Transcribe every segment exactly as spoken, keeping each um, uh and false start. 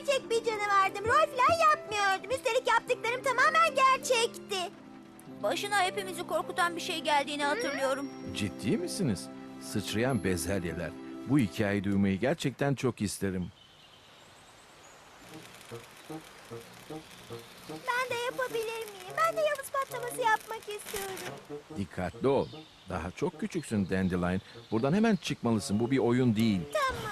gerçek bir canavardım. Rol falan yapmıyordum. Üstelik yaptıklarım tamamen gerçekti. Başına hepimizi korkutan bir şey geldiğini hatırlıyorum. Ciddi misiniz? Sıçrayan bezelyeler. Bu hikayeyi duymayı gerçekten çok isterim. Ben de yapabilir miyim? Ben de yavuz patlaması yapmak istiyorum. Dikkatli ol. Daha çok küçüksün Dandelion. Buradan hemen çıkmalısın. Bu bir oyun değil. Tamam.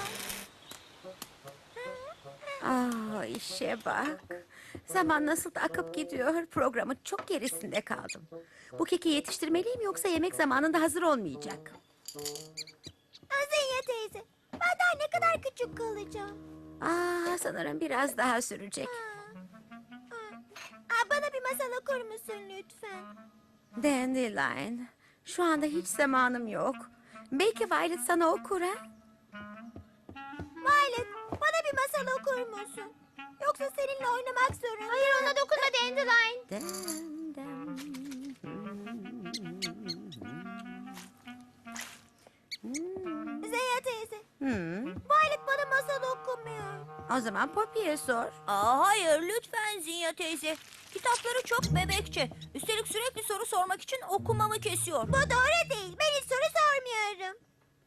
Ah işe bak. Zaman nasıl da akıp gidiyor. Programın çok gerisinde kaldım. Bu keki yetiştirmeliyim yoksa yemek zamanında hazır olmayacak. Azenya teyze. Ben daha ne kadar küçük kalacağım? Ah sanırım biraz daha sürecek. Aa, bana bir masal okur musun lütfen? Dandelion. Şu anda hiç zamanım yok. Belki Violet sana okur ha? Violet, bana bir masal okur musun? Yoksa seninle oynamak zorunda. Hayır, ona dokunma Dandelion. Dem, dem. Zenya teyze, Hmm. Violet bana masal okumuyor. O zaman Poppy'ye sor. Aa, hayır lütfen Zinya teyze. Kitapları çok bebekçe. Üstelik sürekli soru sormak için okumamı kesiyor. Bu doğru değil. Ben hiç soru sormuyorum.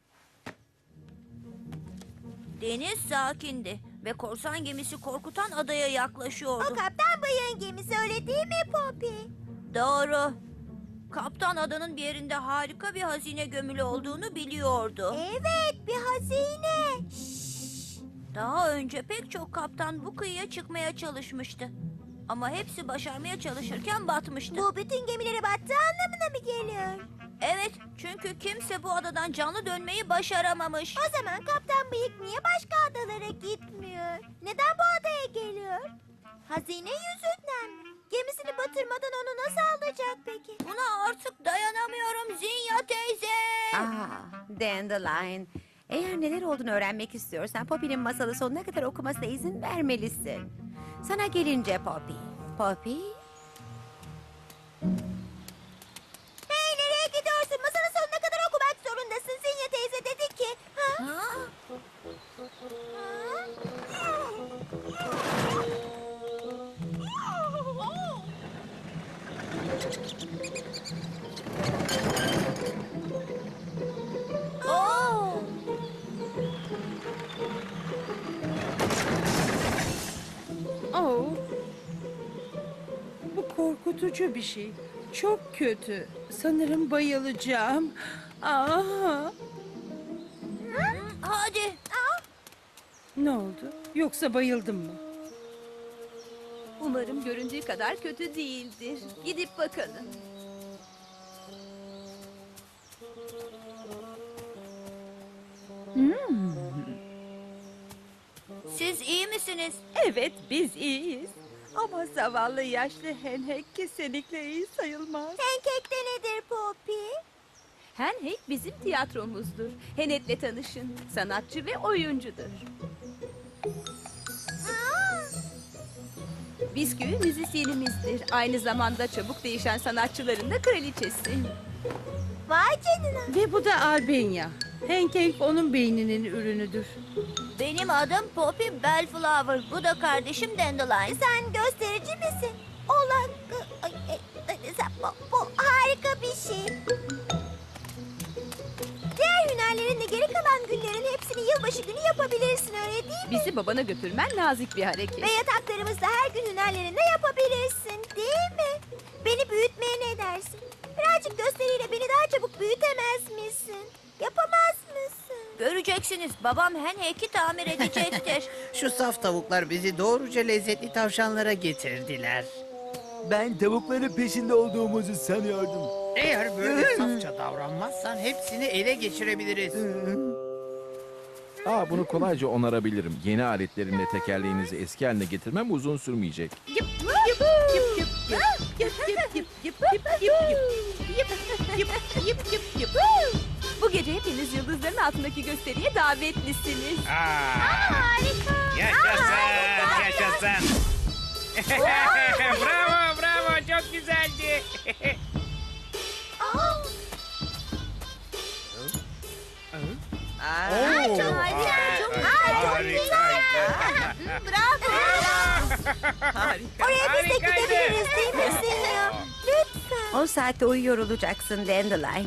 Deniz sakindi ve korsan gemisi korkutan adaya O yaklaşıyordu. kaptan bayığın gemisi, öyle değil mi Poppy? Doğru. Kaptan adanın bir yerinde harika bir hazine gömülü olduğunu biliyordu. Evet, bir hazine. Daha önce pek çok kaptan bu kıyıya çıkmaya çalışmıştı. Ama hepsi başarmaya çalışırken batmıştı. Bu bütün gemilere battığı anlamına mı geliyor? Evet, çünkü kimse bu adadan canlı dönmeyi başaramamış. O zaman kaptan bıyık niye başka adalara gitmiyor? Neden bu adaya geliyor? Hazine yüzünden mi? Gemisini batırmadan onu nasıl alacak peki? Buna artık dayanamıyorum Zinya teyze. Ah, Dandelion. Eğer neler olduğunu öğrenmek istiyorsan Poppy'nin masalı sonuna kadar okumasına izin vermelisin. Sana gelince Poppy. Poppy? Hey, nereye gidiyorsun? Masanın sonuna kadar okumak zorundasın. Zinya teyze dedi ki. Ha? Ha? Oo! Oh. Bu korkutucu bir şey. Çok kötü. Sanırım bayılacağım. Aa, Hadi. ne oldu? Yoksa bayıldım mı? Umarım göründüğü kadar kötü değildir. Gidip bakalım. Siz iyi misiniz? Evet, biz iyiyiz. Ama zavallı yaşlı Henhek kesinlikle iyi sayılmaz. Pancake de nedir Poppy? Henhek bizim tiyatromuzdur. Henet'le tanışın. Sanatçı ve oyuncudur. Aa, Bisküvi müzisyenimizdir. Aynı zamanda çabuk değişen sanatçıların da kraliçesi. vay canına. Ve bu da Albania. Pancake onun beyninin ürünüdür. Benim adım Poppy Bellflower. Bu da kardeşim Dandelion. Sen gösterici misin? Olan... Ay, ay, ay, sen- bu, bu harika bir şey. Diğer hünerlerin de geri kalan günlerin hepsini yılbaşı günü yapabilirsin, öyle değil mi? Bizi babana götürmen nazik bir hareket. Ve yataklarımızda her gün hünerlerini de yapabilirsin, değil mi? Beni büyütmeye ne dersin? Birazcık gösteriyle beni daha çabuk büyütemez misin? Yapamaz mısın? Göreceksiniz. Babam Henhek'i tamir edecektir. Şu saf tavuklar bizi doğruca lezzetli tavşanlara getirdiler. Ben tavukların peşinde olduğumuzu sanıyordum. Eğer böyle safça davranmazsan hepsini ele geçirebiliriz. Aa, bunu kolayca onarabilirim. Yeni aletlerimle tekerleğinizi eski haline getirmem uzun sürmeyecek. Yıp yıp yıp yıp yıp yıp yıp yıp yıp yıp yıp yıp yıp yıp yıp yıp. Bu gece hepiniz yıldızların altındaki gösteriye davetlisiniz. Harika. Yaşasın, yaşasın. Bravo, bravo, çok güzeldi. Aa, Oo, çok harika. güzel, çok güzel. Harika. Bravo. Harika. Oraya biz de Harikaydı. gidebiliriz değil mi Sinya? Lütfen. on saatte uyuyor olacaksın Dandelion.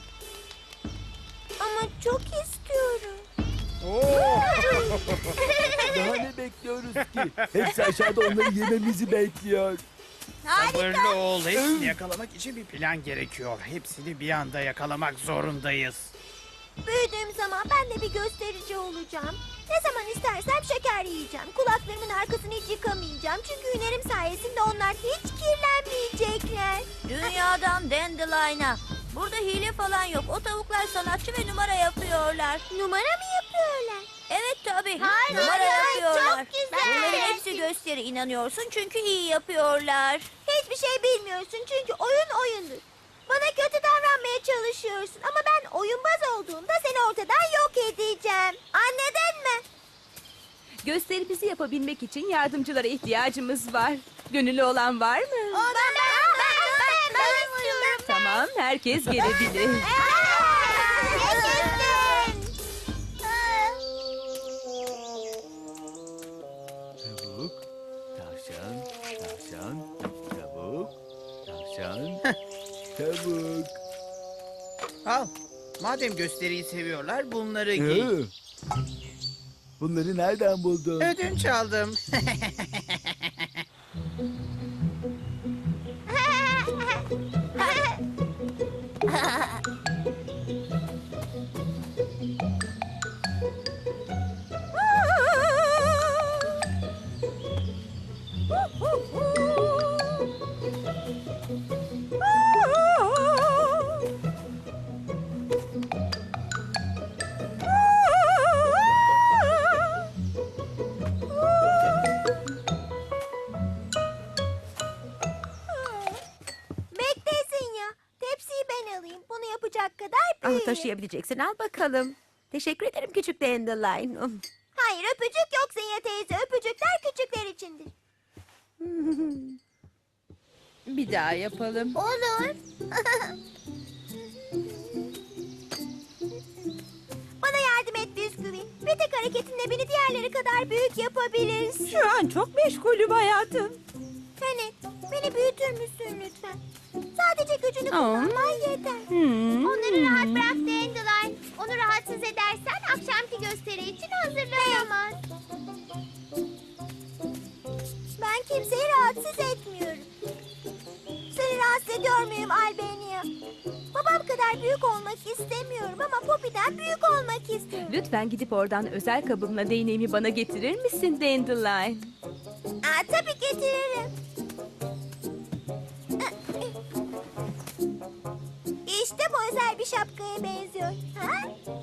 Ama çok istiyorum. Oo. Daha ne bekliyoruz ki? Hepsi aşağıda onları yememizi bekliyor. Sabırlı ol. Hepsini yakalamak için bir plan gerekiyor. Hepsini bir anda yakalamak zorundayız. Büyüdüğüm zaman ben de bir gösterici olacağım. Ne zaman istersem şeker yiyeceğim. Kulaklarımın arkasını hiç yıkamayacağım. Çünkü hünerim sayesinde onlar hiç kirlenmeyecekler. Dünyadan Dandelion'a. Burada hile falan yok. O tavuklar sanatçı ve numara yapıyorlar. Numara mı yapıyorlar? Evet tabii. Hayır, numara hayır, yapıyorlar. çok güzel. Bunların hepsi gösteri. İnanıyorsun çünkü iyi yapıyorlar. Hiçbir şey bilmiyorsun çünkü oyun oyundur. Bana kötü davranmaya çalışıyorsun ama ben oyunbaz olduğumda seni ortadan yok edeceğim. Anladın mı? Gösterimizi yapabilmek için yardımcılara ihtiyacımız var. Gönüllü olan var mı? Ben, ben, ben, ben, ben istiyorum. Tamam, herkes gelebilir. Yaşasın. Tavuk, tavşan, tavşan, tavuk, tavşan, tavuk. Al. Madem gösteriyi seviyorlar bunları giy. Hı. Bunları nereden buldun? Ödünç aldım. Beklesin ya. Tepsiyi ben alayım. Bunu yapacak kadar Ama büyüğüm. taşıyabileceksin. Al bakalım. Teşekkür ederim küçük Dandelion. Hayır öpücük yok Zinya teyze. Öpücükler küçükler içindir. Bir daha yapalım. Olur. Bana yardım et bisküvi. Bir tek hareketinle beni diğerleri kadar büyük yapabilirsin. Şu an çok meşgulüm hayatım. Hani beni büyütür müsün lütfen? Sadece gücünü Aa. kullanman yeter. Hmm. Onları rahat bırak Dandelion. Onu rahatsız edersen akşamki gösteri için hazırlayamaz. Ben kimseyi rahatsız etmiyorum. Seni rahatsız ediyor muyum Albania? Babam kadar büyük olmak istemiyorum ama Poppy'den büyük olmak istiyorum. Lütfen gidip oradan özel kabımla değneğimi bana getirir misin Dandelion? Aa, tabii getiririm. İşte bu özel bir şapkaya benziyor. Ha?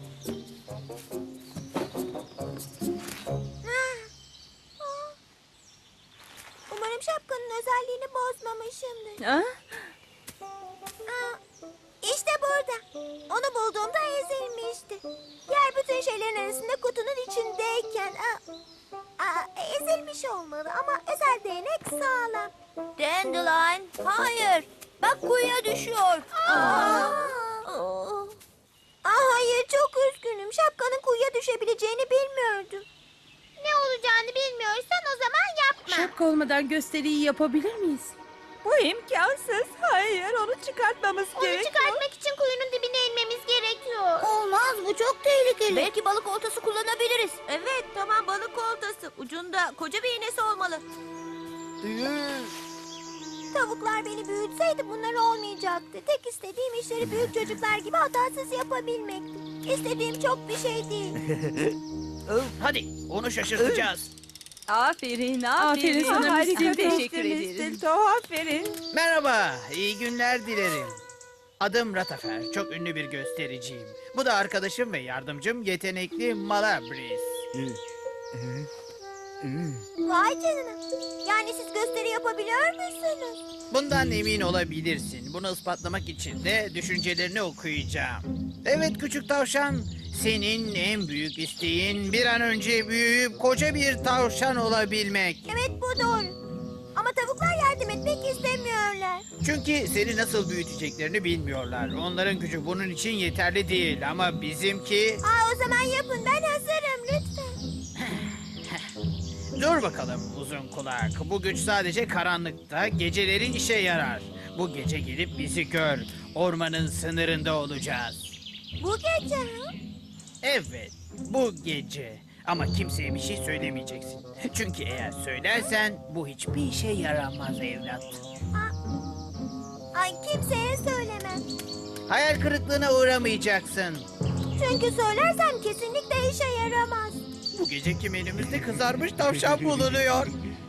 Ah. Umarım şapkanın özelliğini bozmamışımdır. Ha? Aa, İşte burada. Onu bulduğumda ezilmişti. Diğer bütün şeylerin arasında kutunun içindeyken. Aa, aa, ezilmiş olmalı ama özel değnek sağlam. Dandelion, hayır. Bak kuyuya düşüyor. Aa. Oo. Aa, hayır çok üzgünüm. Şapkanın kuyuya düşebileceğini bilmiyordum. Ne olacağını bilmiyorsan o zaman yapma. Şapka olmadan gösteriyi yapabilir miyiz? Bu imkansız. Hayır, onu çıkartmamız Onu gerekiyor. çıkartmak için kuyunun dibine inmemiz gerekiyor. Olmaz bu çok tehlikeli. Belki balık oltası kullanabiliriz. Evet, tamam balık oltası. Ucunda koca bir iğnesi olmalı. Tavuklar beni büyütseydi bunlar olmayacaktı. Tek istediğim işleri büyük çocuklar gibi hatasız yapabilmekti. İstediğim çok bir şey değil. Hadi onu şaşırtacağız. Aferin, aferin. Aferin sana Harika, Mistin. teşekkür ederim. Aferin. Merhaba, iyi günler dilerim. Adım Ratafer, çok ünlü bir göstericiyim. Bu da arkadaşım ve yardımcım yetenekli Malabris. Vay canına. Yani siz gösteri yapabiliyor musunuz? Bundan emin olabilirsin. Bunu ispatlamak için de düşüncelerini okuyacağım. Evet küçük tavşan, senin en büyük isteğin bir an önce büyüyüp koca bir tavşan olabilmek. Evet bu doğru. Ama tavuklar yardım etmek istemiyorlar. Çünkü seni nasıl büyüteceklerini bilmiyorlar. Onların gücü bunun için yeterli değil ama bizimki... Aa, o zaman yapın ben hazırım lütfen. Dur bakalım uzun kulak. Bu güç sadece karanlıkta, geceleri işe yarar. Bu gece gelip bizi gör. Ormanın sınırında olacağız. Bu gece ha? Evet, bu gece. Ama kimseye bir şey söylemeyeceksin. Çünkü eğer söylersen bu hiçbir işe yaramaz evlat. Ay kimseye söylemem. Hayal kırıklığına uğramayacaksın. Çünkü söylersem kesinlikle işe yaramaz. Bu geceki menümüzde kızarmış tavşan bulunuyor.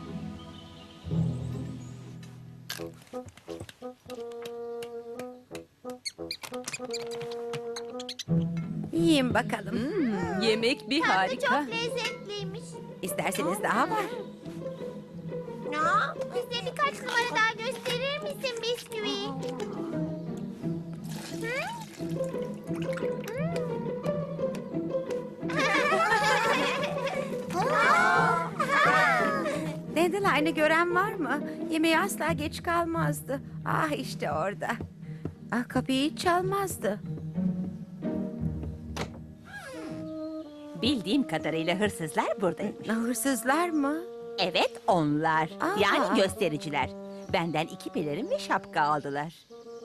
Yiyin bakalım. Hmm, yemek bir Tadı harika. çok lezzetliymiş. İsterseniz daha var. Ya, bize birkaç numara daha gösterir misin bisküvi? Dandeline'ı gören var mı? Yemeğe asla geç kalmazdı. Ah işte orada. Ah kapıyı hiç çalmazdı. Bildiğim kadarıyla hırsızlar buradaymış. Ah, hırsızlar mı? Evet, onlar. Aa. Yani göstericiler. Benden iki pelerin ve şapka aldılar.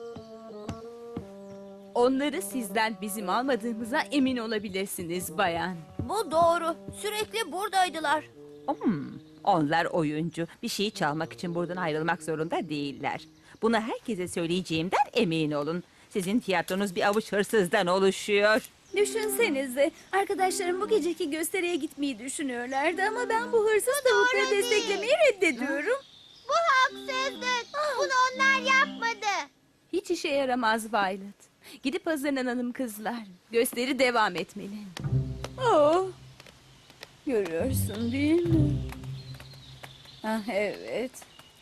Onları sizden bizim almadığımıza emin olabilirsiniz bayan. Bu doğru. Sürekli buradaydılar. Hmm, onlar oyuncu. Bir şeyi çalmak için buradan ayrılmak zorunda değiller. Bunu herkese söyleyeceğimden emin olun. Sizin tiyatronuz bir avuç hırsızdan oluşuyor. Düşünsenize, arkadaşlarım bu geceki gösteriye gitmeyi düşünüyorlardı ama ben bu hırsız tavukları değil. desteklemeyi reddediyorum. Bu haksızlık. Bunu onlar yapmadı. Hiç işe yaramaz Violet. Gidip hazırlanalım kızlar. Gösteri devam etmeli. Oh. Görüyorsun değil mi? Ah evet.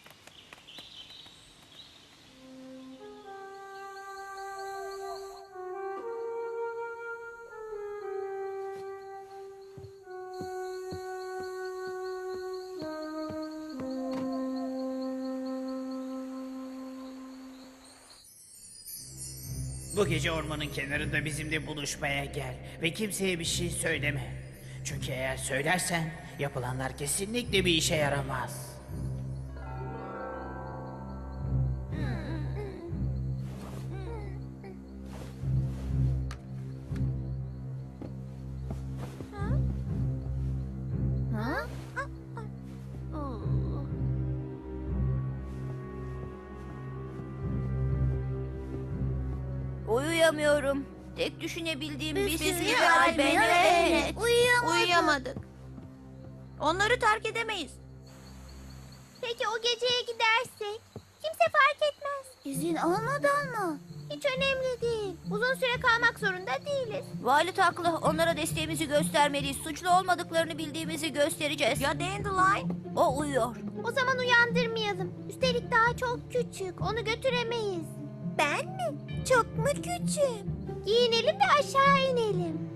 Bu gece ormanın kenarında bizimle buluşmaya gel. Ve kimseye bir şey söyleme. Çünkü eğer söylersen yapılanlar kesinlikle bir işe yaramaz. Uyuyamıyorum. Tek düşünebildiğim bisküvi Bisküvi, ve albeni albeni, evet. Uyuyamadık. Uyuyamadık. Onları terk edemeyiz. Peki o geceye gidersek? Kimse fark etmez. İzin olmadan mı? Hiç önemli değil. Uzun süre kalmak zorunda değiliz. Violet haklı. Onlara desteğimizi göstermeliyiz. Suçlu olmadıklarını bildiğimizi göstereceğiz. Ya Dandelion? O uyuyor. O zaman uyandırmayalım. Üstelik daha çok küçük. Onu götüremeyiz. Ben mi? Çok mu küçüğüm? Giyinelim ve aşağı inelim.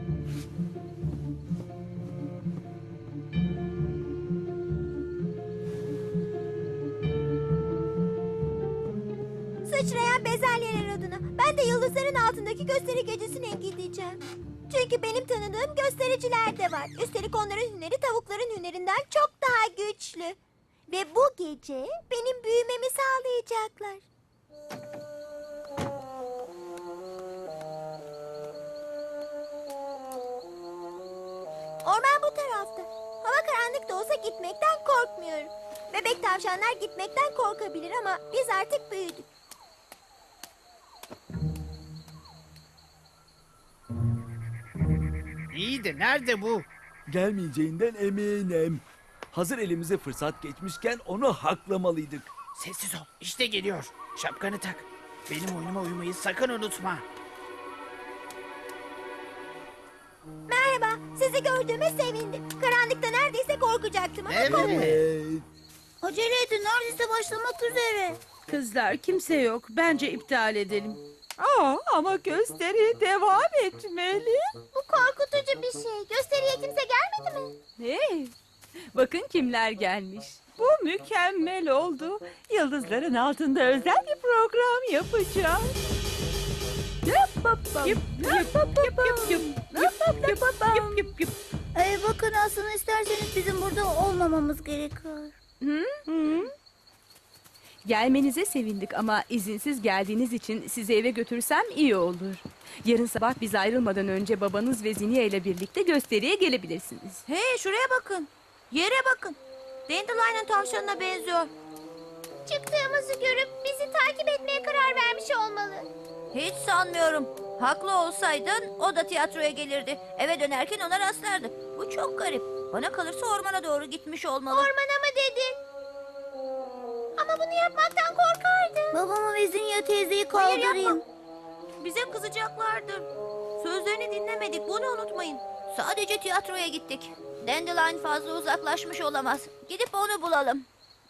Sıçrayan bezelyeler adına. Ben de yıldızların altındaki gösteri gecesine gideceğim. Çünkü benim tanıdığım göstericiler de var. Üstelik onların hüneri tavukların hünerinden çok daha güçlü. Ve bu gece benim büyümemi sağlayacaklar. Orman bu tarafta. Hava karanlık da olsa gitmekten korkmuyorum. Bebek tavşanlar gitmekten korkabilir ama biz artık büyüdük. İyi de nerede bu? Gelmeyeceğinden eminim. Hazır elimize fırsat geçmişken onu haklamalıydık. Sessiz ol. İşte geliyor. Şapkanı tak. Benim oyunuma uyumayı sakın unutma. Merhaba, sizi gördüğüme sevindim. Karanlıkta neredeyse korkacaktım ama Evet. korkmadım. Evet. Acele edin, neredeyse başlamak üzere. Kızlar kimse yok. Bence iptal edelim. Aa, ama gösteri devam etmeli. Bu korkutucu bir şey. Gösteriye kimse gelmedi mi? Hey, bakın kimler gelmiş. Bu mükemmel oldu. Yıldızların altında özel bir program yapacağım. Yap, yap, yap, yap, yap, yap, yap, yap, yap, yap, yap, yap. Ee, bakın aslında isterseniz bizim burada olmamamız gerekiyor. Gelmenize sevindik ama izinsiz geldiğiniz için sizi eve götürsem iyi olur. Yarın sabah biz ayrılmadan önce babanız ve Zinnia ile birlikte gösteriye gelebilirsiniz. Hey şuraya bakın. Yere bakın. Dandelion'un tavşanına benziyor. Çıktığımızı görüp bizi takip etmeye karar vermiş olmalı. Hiç sanmıyorum. Haklı olsaydın o da tiyatroya gelirdi. Eve dönerken ona rastlardı. Bu çok garip. Bana kalırsa ormana doğru gitmiş olmalı. Ormana mı dedin? Ama bunu yapmaktan korkardım. Babamı ve Zinya teyzeyi Hayır, kaldırayım. yapma. Bize kızacaklardır. Sözlerini dinlemedik, bunu unutmayın. Sadece tiyatroya gittik. Dandelion fazla uzaklaşmış olamaz. Gidip onu bulalım.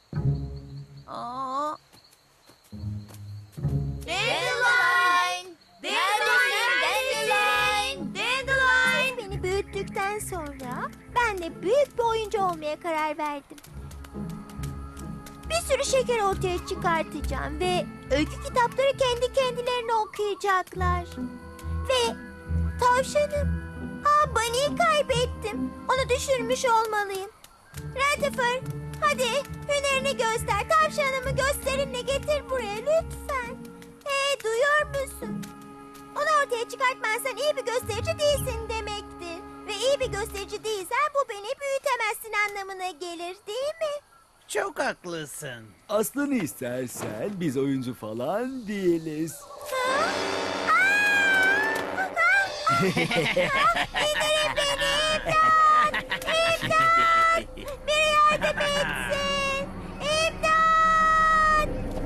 Aa. Dandelion! Dandelion! Dandelion! Dandelion! Beni büyüttükten sonra ben de büyük bir oyuncu olmaya karar verdim. Bir sürü şeker ortaya çıkartacağım ve öykü kitapları kendi kendilerine okuyacaklar. Ve tavşanım. Aa, Bunny'i kaybettim. Onu düşürmüş olmalıyım. Rutherford, hadi hünerini göster. Tavşanımı gösterinle getir buraya lütfen. Hey, duyuyor musun? Onu ortaya çıkartmazsan iyi bir gösterici değilsin demektir. Ve iyi bir gösterici değilsen bu beni büyütemezsin anlamına gelir değil mi? Çok haklısın. Aslını istersen biz oyuncu falan değiliz. İndirin beni imdat! İmdat! Biri yardım etsin! İmdat!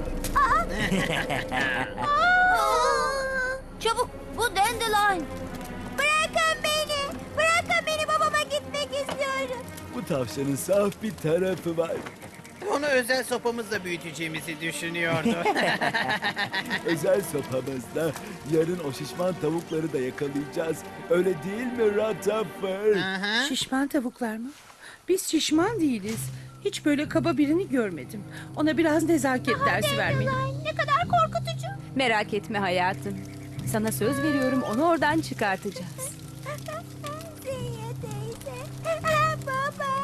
Aa! Aa! Çabuk, bu Dandelion. Bırakın beni! Bırakın beni, babama gitmek istiyorum. Bu tavşanın saf bir tarafı var. Onu özel sopamızla büyüteceğimizi düşünüyordu. Özel sopamızla yarın o şişman tavukları da yakalayacağız. Öyle değil mi Rutherford? Aha. Şişman tavuklar mı? Biz şişman değiliz. Hiç böyle kaba birini görmedim. Ona biraz nezaket dersi vermeliyim. Ay, ne kadar korkutucu. Merak etme hayatım. Sana söz veriyorum onu oradan çıkartacağız. Ziya teyze. Aa, baba.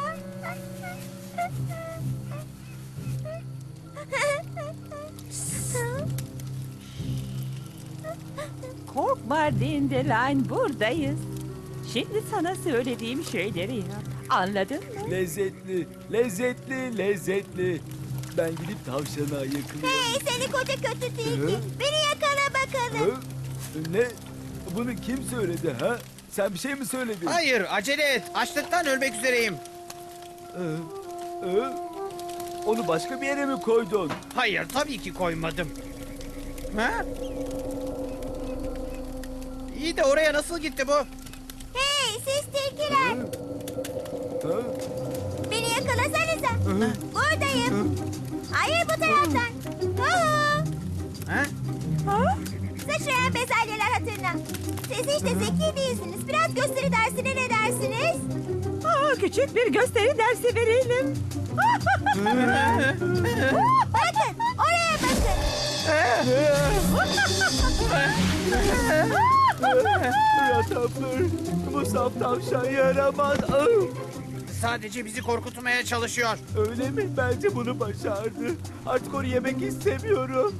Korkma Dandelion, buradayız. Şimdi sana söylediğim şeyleri yap. Anladın mı? Lezzetli, lezzetli, lezzetli. Ben gidip tavşana yakınıyorum. Hey, seni koca kötü tilki. Beni yakala bakalım. Hı? Ne? Bunu kim söyledi ha? Sen bir şey mi söyledin? Hayır, acele et. Açlıktan ölmek üzereyim. Hı? Hı? Onu başka bir yere mi koydun? Hayır, tabii ki koymadım. Ha? İyi de oraya nasıl gitti bu? Hey, siz tilkiler. Hı? Beni yakalasanıza. Buradayım. Hayır, bu taraftan. Hu. Ha? Sıçrayan bezelyeler hatırına. Siz hiç de zeki değilsiniz. Biraz gösteri dersine ne dersiniz? Aa, küçük bir gösteri dersi verelim. Bakın, oraya bakın. Rutherford, bu saf tavşan yaramaz. Ah! Sadece bizi korkutmaya çalışıyor. Öyle mi? Bence bunu başardı. Artık onu yemek istemiyorum.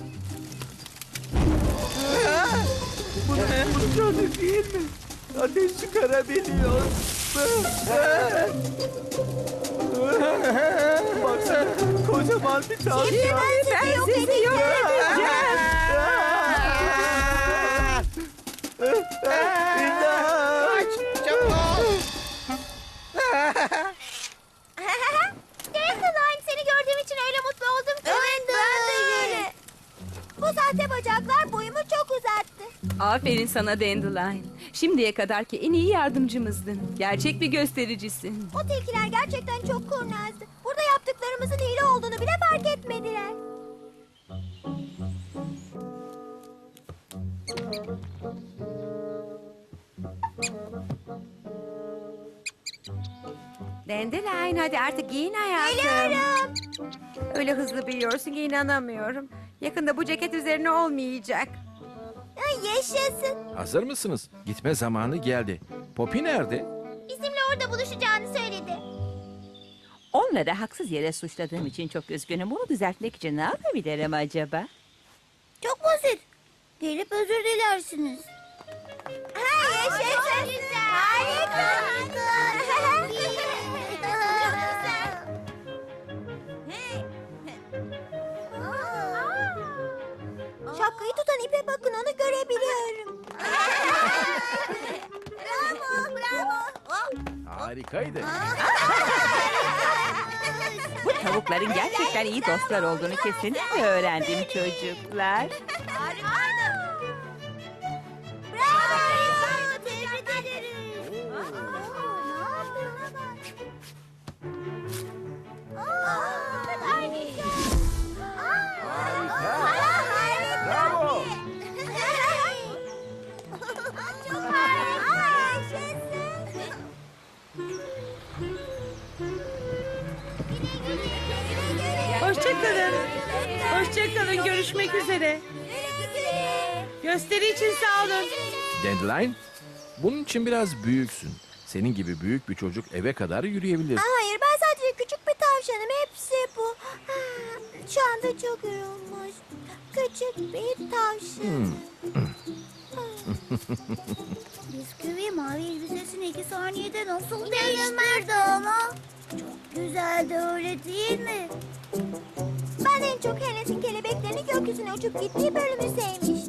Bu, bu canı değil mi? Ateş çıkarabiliyor. Baksana, kocaman bir tavşan. Ben yok edeceğim. Kaç, çabuk. Dandelion, seni gördüğüm için öyle mutlu oldum ki. Evet, ben de öyle. Bu sahte bacaklar boyumu çok uzattı. Aferin sana Dandelion. Şimdiye kadarki en iyi yardımcımızdın. Gerçek bir göstericisin. O tilkiler gerçekten çok kurnazdı. Burada yaptıklarımızın hile olduğunu bile fark etmediler. Dandelion, hadi artık giyin hayatım. Geliyorum. Öyle hızlı büyüyorsun ki inanamıyorum. Yakında bu ceket üzerine olmayacak. Ay, yaşasın. Hazır mısınız? Gitme zamanı geldi. Poppy nerede? Bizimle orada buluşacağını söyledi. Onları haksız yere suçladığım için çok üzgünüm. Bunu düzeltmek için ne yapabilirim acaba? Çok basit. Gelip özür dilersiniz. Hayır, yaşasın. Harika. Şapkayı tutan ipe bakın, onu görebiliyorum. Bravo, bravo. Harikaydı. Bu tavukların gerçekten iyi dostlar olduğunu kesinlikle öğrendim çocuklar. Harikaydı. Bravo. Tebrik ederiz. Ne yapıyorsun? Harika. Harika. Bravo. Çok harika. Yaşasın. Hoşçakalın. Hoşçakalın. Görüşmek üzere. Gösteri için sağ olun. Dandelion, bunun için biraz büyüksün. Senin gibi büyük bir çocuk eve kadar yürüyebilir. Hayır, ben sadece küçük bir tavşanım. Hepsi bu. Ha, şu anda çok yorulmuş. Küçük bir tavşan. Bisküvi mavi elbisesini iki saniyede nasıl değiştirdi ama? Çok güzeldi, öyle değil mi? Ben en çok Hennes'in kelebeklerini gökyüzüne uçup gittiği bölümü sevmiştim.